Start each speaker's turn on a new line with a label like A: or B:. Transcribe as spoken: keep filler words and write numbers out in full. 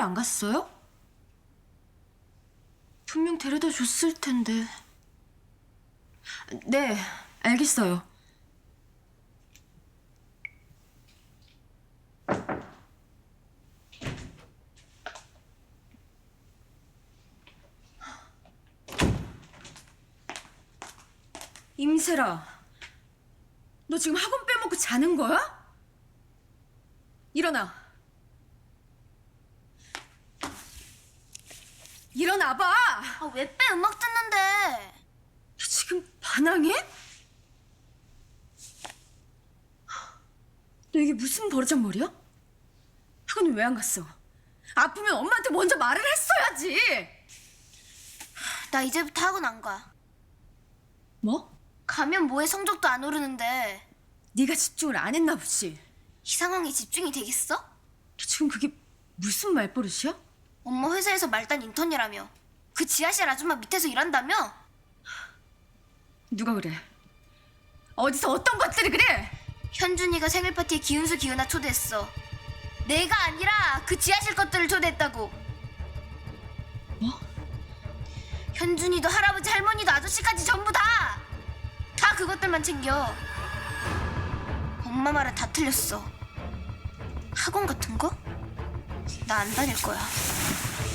A: 안 갔어요? 분명 데려다 줬을 텐데. 네, 알겠어요. 임세라, 너 지금 학원 빼먹고 자는 거야? 일어나. 일어나봐.
B: 아, 왜 빼? 음악 듣는데.
A: 너 지금 반항해? 너 이게 무슨 버르장머리야? 학원은 왜 안 갔어? 아프면 엄마한테 먼저 말을 했어야지.
B: 나 이제부터 학원 안 가.
A: 뭐?
B: 가면 뭐해, 성적도 안 오르는데.
A: 네가 집중을 안 했나 보지.
B: 이 상황에 집중이 되겠어?
A: 너 지금 그게 무슨 말버릇이야?
B: 엄마 회사에서 말단 인턴이라며. 그 지하실 아줌마 밑에서 일한다며?
A: 누가 그래? 어디서 어떤 것들이 그래?
B: 현준이가 생일 파티에 기훈수 기훈아 초대했어. 내가 아니라 그 지하실 것들을 초대했다고.
A: 뭐?
B: 현준이도 할아버지 할머니도 아저씨까지 전부 다! 다 그것들만 챙겨. 엄마 말은 다 틀렸어. 학원 같은 거? 나 안 다닐 거야.